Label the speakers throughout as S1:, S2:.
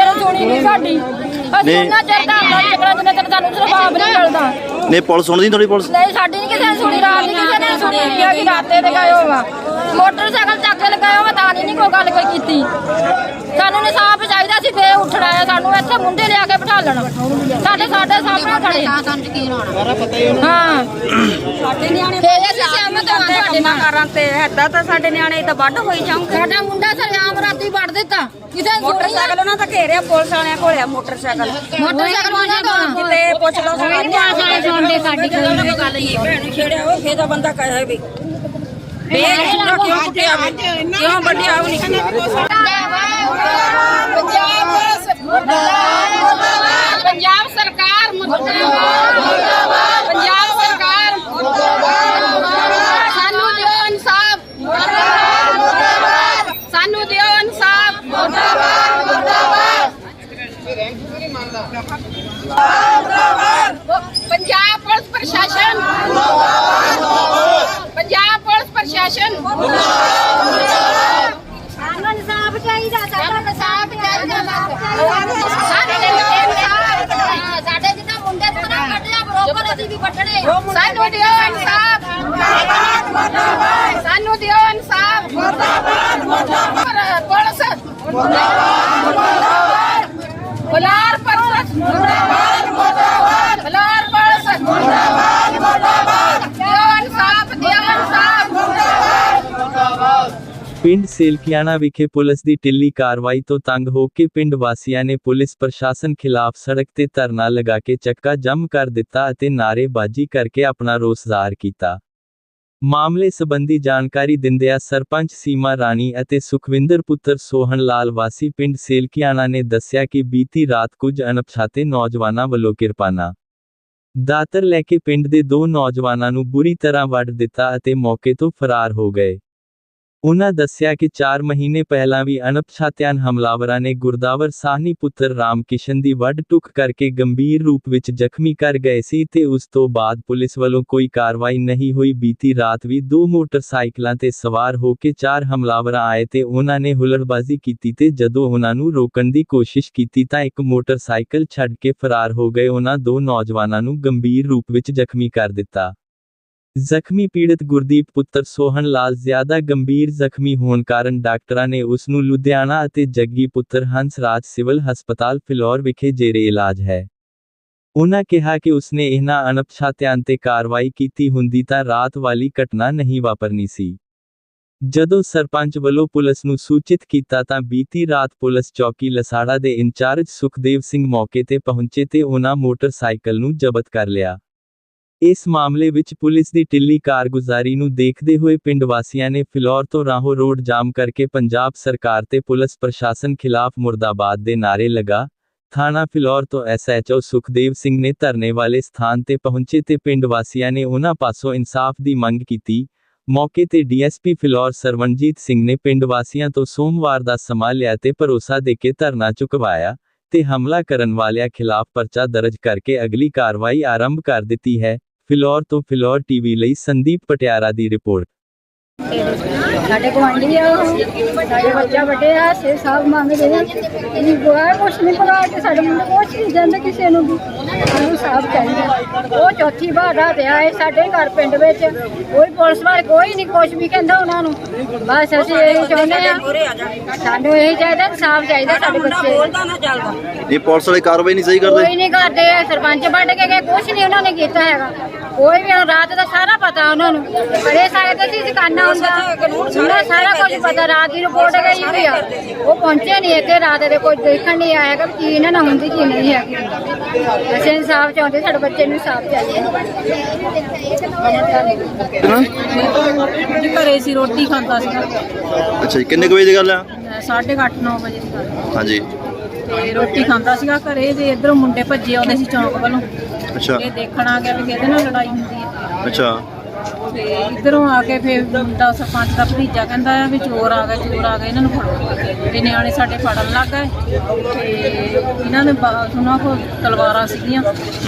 S1: ਸੁਣੀ ਨਹੀਂ ਸਾਡੀ। ਅਸੀਂ ਉਹਨਾਂ ਚਿਰ ਧਰਨਾ ਚੱਕਰਾਂ ਜਿੰਨੇ ਤੱਕ ਸਾਨੂੰ ਜਵਾਬ ਨਹੀਂ ਮਿਲਦਾ।
S2: ਨਹੀਂ ਪੁਲਿਸ ਸੁਣਦੀ ਤੁਹਾਡੀ ਪੁਲਿਸ?
S1: ਨਹੀਂ ਸਾਡੀ ਨਹੀਂ ਕਿਸੇ ਨੇ ਸੁਣੀ, ਰਾਤ ਨਹੀਂ ਕਿਸੇ ਨੇ ਸੁਣੀ ਕਿ ਰਾਤੇ ਤੇ ਗਏ ਹੋਵਾ ਮੋਟਰਸਾਈਕਲ ਚੱਕ ਕੇ ਲਗਾਏ ਹੋਵਾ ਤਾਂ ਨਹੀਂ ਕੋਈ ਗੱਲ ਕੋਈ ਕੀਤੀ। ਸਾਨੂੰ ਇਨਸਾਫ ਚਾਹੀਦਾ ਸੀ, ਫੇਰ ਉੱਠਣਾ ਹੈ ਸਾਨੂੰ ਇੱਥੇ ਮੁੰਡੇ ਲਿਆ ਕੇ ਬਿਠਾ ਲੈਣਾ ਸਾਡੇ ਸਾਹਮਣੇ ਖੜੇ ਸਾਨੂੰ ਯਕੀਨ ਹੋਣਾ। ਹਾਂ ਸਾਡੇ ਨਿਆਣੇ ਫੇਰ ਅਸੀਂ ਸਹਿਮਤ ਹਾਂ ਸਾਡੇ ਨਾਲ ਕਰਾਂ ਤੇ ਏਦਾਂ ਤਾਂ ਸਾਡੇ ਨਿਆਣੇ ਤਾਂ ਵੱਢ ਹੋਈ ਜਾਊਂਗੇ। ਸਾਡਾ ਮੁੰਡਾ ਸਰਿਆਮ ਰਾਤੀ ਵੱਢ ਦਿੱਤਾ ਕਿਸੇ ਮੋਟਰਸਾਈਕਲ ਉਹਨਾਂ ਤਾਂ ਘੇਰਿਆ ਪੁਲਿਸ ਵਾਲਿਆਂ ਕੋਲੇ ਮੋਟਰਸਾਈਕਲ ਉਹਨਾਂ ਤੋਂ ਕਿਤੇ ਪੁੱਛ ਲਓ ਸੁਣਦੇ ਸਾਡੀ ਕੋਈ ਗੱਲ ਨਹੀਂ ਭੈਣ ਛੇੜਿਆ ਉਹ ਫੇਰ ਦਾ ਬੰਦਾ ਕਹੇ ਵੀ ਬੇਸ਼ੁਰਾ ਕਿਉਂ ਕੁੱਟਿਆ ਕਿਉਂ ਵੱਢਿਆ ਨਹੀਂ। ਪੰਜਾਬ ਸਰਕਾਰ ਮੁਰਦਾਬਾਦ, ਪੰਜਾਬ ਸਰਕਾਰ ਸਾਨੂੰ ਦਿਓ ਇਨਸਾਫ, ਸਾਨੂੰ ਦਿਓ ਇਨਸਾਫ। ਪੰਜਾਬ ਪੁਲਿਸ ਪ੍ਰਸ਼ਾਸਨ, ਪੰਜਾਬ ਪੁਲਿਸ ਪ੍ਰਸ਼ਾਸਨ ਸਾਨੂੰ ਇਨਸਾਫ ਚਾਹੀਦਾ, ਸਾਨੂੰ ਇਨਸਾਫ ਚਾਹੀਦਾ। ਸਾਡੇ ਜਿੱਦਾਂ ਮੁੰਡੇ ਤੋਂ ਕੱਢਿਆ ਬਰੋਬਰ ਅਸੀਂ ਵੀ ਕੱਢਣੇ। ਸਾਨੂੰ ਦਿਓ ਇਨਸਾਫ, ਸਾਨੂੰ ਦਿਓ ਇਨਸਾਫ। ਪੁਲਿਸ ਬਲਾਰ ਪੁਲਿਸ ਬਲਾਰ ਪੁਲਿਸ ਦਿਓ ਇਨਸਾਫ, ਦਿਓ ਇਨਸਾਫ।
S3: ਪਿੰਡ ਸੇਲਕਿਆਣਾ ਵਿਖੇ ਪੁਲਿਸ ਦੀ ਢਿੱਲੀ ਕਾਰਵਾਈ ਤੋਂ ਤੰਗ ਹੋ ਕੇ ਪਿੰਡ ਵਾਸੀਆਂ ਨੇ ਪੁਲਿਸ ਪ੍ਰਸ਼ਾਸਨ ਖਿਲਾਫ ਸੜਕ ਤੇ ਧਰਨਾ ਲਗਾ ਕੇ ਚੱਕਾ ਜਾਮ ਕਰ ਦਿੱਤਾ ਅਤੇ ਨਾਅਰੇਬਾਜ਼ੀ ਕਰਕੇ ਆਪਣਾ ਰੋਸ ਜ਼ਾਹਰ ਕੀਤਾ। ਮਾਮਲੇ ਸੰਬੰਧੀ ਜਾਣਕਾਰੀ ਦਿੰਦਿਆਂ ਸਰਪੰਚ ਸੀਮਾ ਰਾਣੀ ਅਤੇ ਸੁਖਵਿੰਦਰ ਪੁੱਤਰ ਸੋਹਣ ਲਾਲ ਵਾਸੀ ਪਿੰਡ ਸੇਲਕਿਆਣਾ ਨੇ ਦੱਸਿਆ ਕਿ ਬੀਤੀ ਰਾਤ ਕੁਝ ਅਣਪਛਾਤੇ ਨੌਜਵਾਨਾਂ ਵੱਲੋਂ ਕਿਰਪਾਨਾਂ ਦਾਤਰ ਲੈ ਕੇ ਪਿੰਡ ਦੇ ਦੋ ਨੌਜਵਾਨਾਂ ਨੂੰ ਬੁਰੀ ਤਰ੍ਹਾਂ ਵੱਢ ਦਿੱਤਾ ਅਤੇ ਮੌਕੇ ਤੋਂ ਫਰਾਰ ਹੋ ਗਏ। ਉਨ੍ਹਾਂ ਦੱਸਿਆ ਕਿ 4 ਮਹੀਨੇ ਪਹਿਲਾਂ ਵੀ ਅਣਪਛਾਤਿਆਂ ਹਮਲਾਵਰਾਂ ਨੇ ਗੁਰਦਾਵਰ ਸਾਹਨੀ ਪੁੱਤਰ ਰਾਮ ਕਿਸ਼ਨ ਦੀ ਵੱਢ ਟੁੱਕ ਕਰਕੇ ਗੰਭੀਰ ਰੂਪ ਵਿੱਚ ਜ਼ਖਮੀ ਕਰ ਗਏ ਸੀ ਤੇ ਉਸ ਤੋਂ ਬਾਅਦ ਪੁਲਿਸ ਵੱਲੋਂ ਕੋਈ ਕਾਰਵਾਈ ਨਹੀਂ ਹੋਈ। ਬੀਤੀ ਰਾਤ ਵੀ 2 ਮੋਟਰਸਾਈਕਲਾਂ ਤੇ ਸਵਾਰ ਹੋ ਕੇ 4 ਹਮਲਾਵਰ ਆਏ ਤੇ ਉਹਨਾਂ ਨੇ ਹੁੱਲੜਬਾਜ਼ੀ ਕੀਤੀ ਤੇ ਜਦੋਂ ਉਹਨਾਂ ਨੂੰ ਰੋਕਣ ਦੀ ਕੋਸ਼ਿਸ਼ ਕੀਤੀ ਤਾਂ ਇੱਕ ਮੋਟਰਸਾਈਕਲ ਛੱਡ ਕੇ ਫਰਾਰ ਹੋ ਗਏ। ਉਹਨਾਂ 2 ਨੌਜਵਾਨਾਂ ਨੂੰ ਗੰਭੀਰ ਰੂਪ ਵਿੱਚ ਜ਼ਖਮੀ ਕਰ ਦਿੱਤਾ। ਜ਼ਖਮੀ ਪੀੜਤ ਗੁਰਦੀਪ ਪੁੱਤਰ ਸੋਹਣ ਲਾਲ ਜ਼ਿਆਦਾ ਗੰਭੀਰ ਜ਼ਖਮੀ ਹੋਣ ਕਾਰਨ ਡਾਕਟਰਾਂ ਨੇ ਉਸ ਨੂੰ ਲੁਧਿਆਣਾ ਅਤੇ ਜੱਗੀ ਪੁੱਤਰ ਹੰਸ ਰਾਜ ਸਿਵਲ ਹਸਪਤਾਲ ਫਿਲੌਰ ਵਿਖੇ ਜੇਰੇ ਇਲਾਜ ਹੈ। ਉਨ੍ਹਾਂ ਕਿਹਾ ਕਿ ਉਸਨੇ ਇਹਨਾਂ ਅਣਪਛਾਤਿਆਂ ਤੇ ਕਾਰਵਾਈ ਕੀਤੀ ਹੁੰਦੀ ਤਾਂ ਰਾਤ ਵਾਲੀ ਘਟਨਾ ਨਹੀਂ ਵਾਪਰਨੀ ਸੀ। ਜਦੋਂ ਸਰਪੰਚ ਵੱਲੋਂ ਪੁਲਿਸ ਨੂੰ ਸੂਚਿਤ ਕੀਤਾ ਤਾਂ ਬੀਤੀ ਰਾਤ ਪੁਲਿਸ ਚੌਕੀ ਲਸਾੜਾ ਦੇ ਇੰਚਾਰਜ ਸੁਖਦੇਵ ਸਿੰਘ ਮੌਕੇ ਤੇ ਪਹੁੰਚੇ ਤੇ ਉਹਨਾਂ ਮੋਟਰਸਾਈਕਲ ਨੂੰ ਜ਼ਬਤ ਕਰ ਲਿਆ। ਇਸ ਮਾਮਲੇ ਵਿੱਚ ਪੁਲਿਸ ਦੀ ਢਿੱਲੀ ਕਾਰਗੁਜ਼ਾਰੀ ਨੂੰ ਦੇਖਦੇ ਹੋਏ ਪਿੰਡ ਵਾਸੀਆਂ ਨੇ ਫਿਲੌਰ ਤੋਂ ਰਾਹੋਂ ਰੋਡ ਜਾਮ ਕਰਕੇ ਪੰਜਾਬ ਸਰਕਾਰ ਤੇ ਪੁਲਿਸ ਪ੍ਰਸ਼ਾਸਨ ਖਿਲਾਫ ਮੁਰਦਾਬਾਦ ਦੇ ਨਾਅਰੇ ਲਗਾ। ਥਾਣਾ ਫਿਲੌਰ ਤੋਂ SHO ਸੁਖਦੇਵ ਸਿੰਘ ਨੇ ਧਰਨੇ ਵਾਲੇ ਸਥਾਨ ਤੇ ਪਹੁੰਚੇ ਤੇ ਪਿੰਡ ਵਾਸੀਆਂ ਨੇ ਉਹਨਾਂ ਪਾਸੋਂ ਇਨਸਾਫ ਦੀ ਮੰਗ ਕੀਤੀ। ਮੌਕੇ ਤੇ DSP ਫਿਲੌਰ ਸਰਵਣਜੀਤ ਸਿੰਘ ਨੇ ਪਿੰਡ ਵਾਸੀਆਂ ਤੋਂ ਸੋਮਵਾਰ ਦਾ ਸਮਾਂ ਲਿਆ ਤੇ ਭਰੋਸਾ ਦੇ ਕੇ ਧਰਨਾ ਚੁਕਵਾਇਆ ਤੇ ਹਮਲਾ ਕਰਨ ਵਾਲਿਆਂ ਖਿਲਾਫ ਪਰਚਾ ਦਰਜ ਕਰਕੇ ਅਗਲੀ ਕਾਰਵਾਈ ਆਰੰਭ ਕਰ ਦਿੱਤੀ ਹੈ। ਫਿਲੌਰ ਤੋਂ ਫਿਲੌਰ TV ਲਈ ਸੰਦੀਪ ਪਟਿਆਰਾ ਦੀ ਰਿਪੋਰਟ।
S1: ਸਾਡੇ ਗੁਆਂਢੀ ਆ ਸਾਡੇ ਬੱਚਾ ਵੱਡੇ ਆ ਸੇ ਸਾਹਿਬ ਮੰਗਦੇ ਨੇ ਇਹ ਬੁਆ ਕੁਛ ਨਹੀਂ ਪਤਾ ਕਿ ਸਾਡੇ ਮੁੰਡੇ ਕੁਛ ਨਹੀਂ ਜਾਂਦੇ ਕਿਸੇ ਨੂੰ ਵੀ ਸਾਨੂੰ ਸਾਫ ਚਾਹੀਦਾ। ਉਹ ਚੌਥੀ ਵਾਰ ਰਾਤ ਆਏ ਸਾਡੇ ਘਰ ਪਿੰਡ ਵਿੱਚ ਕੋਈ ਪੁਲਿਸ ਵਾਲੇ ਕੋਈ ਨਹੀਂ ਕੁਛ ਵੀ ਕਹਿੰਦਾ ਉਹਨਾਂ ਨੂੰ। ਬਸ ਅਸੀਂ ਇਹ ਚਾਹੁੰਦੇ ਆ ਸਾਨੂੰ ਇਹ ਚਾਹੀਦਾ ਸਾਫ ਚਾਹੀਦਾ ਸਾਡੇ ਬੱਚੇ ਬੋਲਦਾ ਨਾ ਚੱਲਦਾ।
S2: ਇਹ ਪੁਲਿਸ ਵਾਲੇ ਕਾਰਵਾਈ ਨਹੀਂ ਸਹੀ ਕਰਦੇ?
S1: ਕੋਈ ਨਹੀਂ ਕਰਦੇ। ਸਰਪੰਚ ਵੱਢ ਕੇ ਗਏ ਕੁਛ ਨਹੀਂ ਉਹਨਾਂ ਨੇ ਕੀਤਾ ਹੈਗਾ। ਕੋਈ ਵੀ ਰਾਤ ਦਾ ਸਾਰਾ ਪਤਾ ਉਹਨਾਂ ਨੂੰ ਬੜੇ ਸਕਦੇ ਸੀ ਦੁਕਾਨਾਂ ਹੁੰਦਾ ਉਹਨਾਂ ਸਾਰਾ ਕੁਝ ਪਤਾ। ਰਾਤ ਦੀ ਰਿਪੋਰਟ ਗਈ ਹੋਈ ਆ ਉਹ ਪਹੁੰਚੇ ਨਹੀਂ ਇੱਥੇ ਰਾਤ ਦੇ ਕੋਈ ਦੇਖਣ ਨਹੀਂ ਆਇਆ ਕਿ ਕੀ ਇਹਨਾਂ ਨਾਲ ਹੁੰਦੀ ਕੀ ਨਹੀਂ ਹੈਗੀ। ਅਸੀਂ ਇਨਸਾਫ ਚਾਹੁੰਦੇ ਸਾਡੇ ਬੱਚੇ ਨੂੰ ਇਨਸਾਫ ਚਾਹੀਏ।
S4: ਘਰੇ ਸੀ ਰੋਟੀ ਖਾਂਦਾ ਸੀਗਾ।
S2: ਅੱਛਾ ਜੀ, ਕਿੰਨੇ ਕੁ ਵਜੇ ਦੀ ਗੱਲ ਆ?
S4: 8:30 9 ਵਜੇ ਦੀ ਗੱਲ।
S2: ਹਾਂਜੀ।
S4: ਤੇ ਰੋਟੀ ਖਾਂਦਾ ਸੀਗਾ ਘਰੇ ਤੇ ਇਧਰੋਂ ਮੁੰਡੇ ਭੱਜੇ ਆਉਂਦੇ ਸੀ ਚੌਂਕ ਵੱਲੋਂ।
S2: ਅੱਛਾ।
S4: ਇਹ ਦੇਖਣ ਆ ਗਿਆ ਵੀ ਇਹਦੇ ਨਾਲ ਲੜਾਈ ਹੁੰਦੀ ਹੈ।
S2: ਅੱਛਾ।
S4: ਤੇ ਇਧਰੋਂ ਆ ਕੇ ਫਿਰ ਮੁੰਡਾ ਸਰਪੰਚ ਦਾ ਭਤੀਜਾ ਕਹਿੰਦਾ ਆ ਵੀ ਚੋਰ ਆ ਗਏ ਇਹਨਾਂ ਨੂੰ ਫੜੋ। ਤੇ ਨਿਆਣੇ ਸਾਡੇ ਫੜਨ ਲੱਗ ਗਏ ਤੇ ਇਹਨਾਂ ਨੇ ਉਹਨਾਂ ਕੋਲ ਤਲਵਾਰਾਂ ਸੀਗੀਆਂ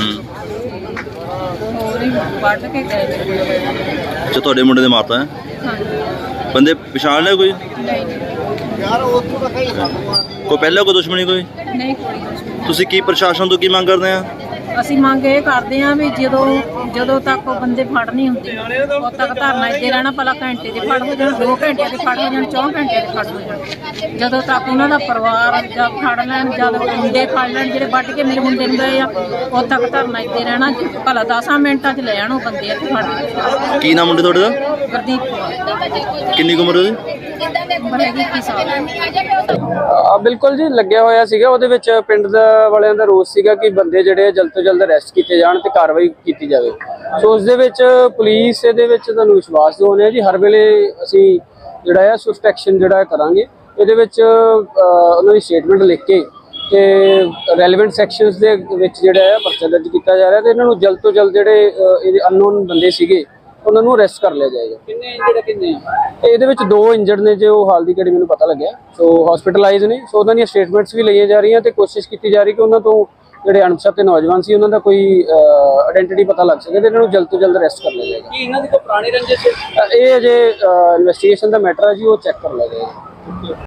S4: ਹੋਰ ਹੀ ਵੱਢ ਕੇ ਗਏ।
S2: ਅੱਛਾ, ਤੁਹਾਡੇ ਮੁੰਡੇ ਦੇ ਮਾਤਾ ਹੈ?
S4: ਹਾਂਜੀ।
S2: ਬੰਦੇ ਪਛਾਣ ਲਿਆ ਕੋਈ?
S4: ਨਹੀਂ।
S2: ਕੋਈ ਪਹਿਲਾਂ ਕੋਈ ਦੁਸ਼ਮਣੀ ਕੋਈ?
S4: ਨਹੀਂ ਕੋਈ ਕੁਛ ਨਹੀਂ।
S2: ਤੁਸੀਂ ਕੀ ਪ੍ਰਸ਼ਾਸਨ ਤੋਂ ਕੀ ਮੰਗ ਕਰਦੇ ਆ?
S4: ਅਸੀਂ ਮੰਗ ਇਹ ਕਰਦੇ ਹਾਂ ਵੀ ਜਦੋਂ ਤੱਕ ਉਹ ਬੰਦੇ ਫੜ ਨਹੀਂ ਹੁੰਦੇ ਉਦੋਂ ਤੱਕ ਧਰਨਾ ਇੱਥੇ ਰਹਿਣਾ। ਭਲਾ ਘੰਟੇ ਦੇ ਫੜ ਹੋ ਜਾਣ, 2 ਘੰਟਿਆਂ ਦੇ ਫੜ ਹੋ ਜਾਣ, 4 ਘੰਟਿਆਂ ਦੇ ਫੜ ਹੋ ਜਾਣ, ਜਦੋਂ ਤੱਕ ਉਹਨਾਂ ਦਾ ਪਰਿਵਾਰ ਜਾਂ ਫੜ ਲੈਣ, ਜਦ ਮੁੰਡੇ ਫੜ ਲੈਣ ਜਿਹੜੇ ਵੱਢ ਕੇ ਮੇਰੇ ਮੁੰਡੇ ਨੂੰ ਗਏ ਆ, ਉਦੋਂ ਤੱਕ ਧਰਨਾ ਇੱਥੇ ਰਹਿਣਾ। ਭਲਾ 10 ਮਿੰਟਾਂ 'ਚ ਲੈ ਜਾਣ ਉਹ ਬੰਦੇ ਇੱਥੇ ਫੜ ਕੇ।
S2: ਕੀ ਨਾਮ ਮੁੰਡੇ ਤੁਹਾਡੇ ਦਾ?
S4: ਗੁਰਦੀਪ ਕੌਰ।
S2: ਕਿੰਨੀ ਕੁ ਉਮਰ ਉਹਦੀ?
S4: ਉਮਰ ਹੈਗੀ 21 ਸਾਲ।
S5: ਬਿਲਕੁਲ ਜੀ, ਲੱਗਿਆ ਹੋਇਆ ਸੀਗਾ। ਉਹਦੇ ਵਿੱਚ ਪਿੰਡ ਵਾਲਿਆਂ ਦਾ ਰੋਸ ਸੀਗਾ ਕਿ ਬੰਦੇ ਜਿਹੜੇ ਜਲਦ ਤੋਂ ਜਲਦ ਅਰੈਸਟ ਕੀਤੇ ਜਾਣ ਤੇ ਕਾਰਵਾਈ ਕੀਤੀ ਜਾਵੇ। ਸੋ ਉਸ ਦੇ ਵਿੱਚ ਪੁਲਿਸ ਇਹਦੇ ਵਿੱਚ ਤੁਹਾਨੂੰ ਵਿਸ਼ਵਾਸ ਦਿਵਾਉਂਦੇ ਆ ਜੀ, ਹਰ ਵੇਲੇ ਅਸੀਂ ਜਿਹੜਾ ਆ ਸਵਿਫਟ ਐਕਸ਼ਨ ਜਿਹੜਾ ਕਰਾਂਗੇ। ਇਹਦੇ ਵਿੱਚ ਉਹਨਾਂ ਦੀ ਸਟੇਟਮੈਂਟ ਲਿਖ ਕੇ ਤੇ ਰੈਲੇਵੈਂਟ ਸੈਕਸ਼ਨਸ ਦੇ ਵਿੱਚ ਜਿਹੜਾ ਆ ਪਰਚਾ ਦਰਜ ਕੀਤਾ ਜਾ ਰਿਹਾ ਤੇ ਇਹਨਾਂ ਨੂੰ ਜਲਦ ਤੋਂ ਜਲਦ ਜਿਹੜੇ ਇਹਦੇ ਅਨਨੋਨ ਬੰਦੇ ਸੀਗੇ ਉਹਨਾਂ ਨੂੰ ਅਰੈਸਟ ਕਰ ਲਿਆ ਜਾਏਗਾ। ਕਿੰਨੇ ਇਹਦੇ ਵਿੱਚ 2 ਇੰਜਰਡ ਨੇ ਜੋ ਹਾਲ ਦੀ ਘੜੀ ਮੈਨੂੰ ਪਤਾ ਲੱਗਿਆ, ਸੋ ਹਸਪੀਟਲਾਈਜ਼ ਨੇ। ਸੋ ਉਹਨਾਂ ਦੀਆਂ ਸਟੇਟਮੈਂਟਸ ਵੀ ਲਈਆਂ ਜਾ ਰਹੀਆਂ ਤੇ ਕੋਸ਼ਿਸ਼ ਕੀਤੀ ਜਾ ਰਹੀ ਕਿ ਉਹਨਾਂ ਤੋਂ ਜਿਹੜੇ ਅਣਪਛਾਤੇ ਨੌਜਵਾਨ ਸੀ ਉਹਨਾਂ ਦਾ ਕੋਈ ਆਇਡੈਂਟੀਟੀ ਪਤਾ ਲੱਗ ਸਕੇ ਤੇ ਇਹਨਾਂ ਨੂੰ ਜਲਦ ਤੋਂ ਜਲਦ ਅਰੈਸਟ ਕਰ ਲਿਆ ਜਾਏਗਾ। ਕੀ ਇਹਨਾਂ ਦੀ ਕੋਈ ਪੁਰਾਣੀ ਰੰਜਿਸ਼? ਇਹ ਅਜੇ ਇਨਵੈਸਟੀਗੇਸ਼ਨ ਦਾ ਮੈਟਰ ਹੈ ਜੀ, ਉਹ ਚੈੱਕ ਕਰ ਲਿਆ ਜਾਏਗਾ।